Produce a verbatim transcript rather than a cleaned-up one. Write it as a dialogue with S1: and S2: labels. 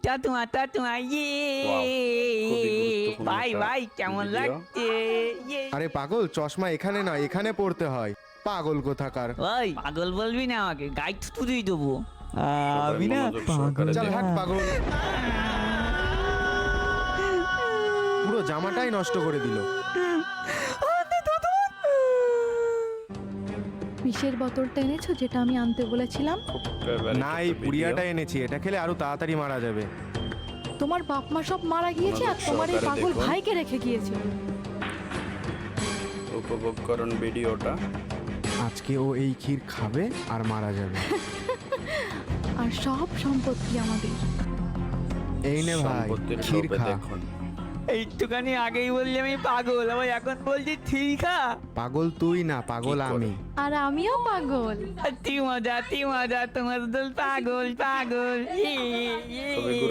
S1: তোমা তোমা ইয়ে ভাই ভাই কেমন লাগছে ইয়ে।
S2: আরে পাগল, চশমা এখানে না, এখানে পড়তে হয়। পাগল কোথাকার।
S1: ওই পাগল বলবি না আমাকে, গাইড থুতু দিয়ে দেবো।
S3: আমি না পাগল
S2: চল
S3: না।
S2: হাট পাগল। পুরো জামাটাই নষ্ট করে দিল।
S4: বিষের বোতলটা এনেছো যেটা আমি আনতে বলেছিলাম?
S2: না, এই পুড়িয়াটা এনেছি, এটা খেলে আরো তাড়াতাড়ি মারা যাবে।
S4: তোমার বাপ মা সব মারা গিয়েছে আর তোমার এই পাগল ভাইকে রেখে গিয়েছে।
S3: উপভোগ করুন ভিডিওটা।
S2: আজকে ও এই ক্ষীর খাবে আর মারা যাবে।
S4: আর সব সম্পত্তি আমাদের।
S2: এই নে ভাই,
S3: সম্পত্তির
S2: ক্ষীর
S3: লোভে
S2: খা।
S3: দেখুন।
S1: একটুখানি আগেই বললি আমি পাগল, আবার এখন বলছি ঠিক খা।
S2: পাগল তুই না, পাগল
S3: কি করে?
S2: আমি।
S4: আর আমিও পাগল।
S1: তি মজা তি মজা তোমার দল পাগল পাগল ইয়ে, ইয়ে, ইয়ে।
S3: তবে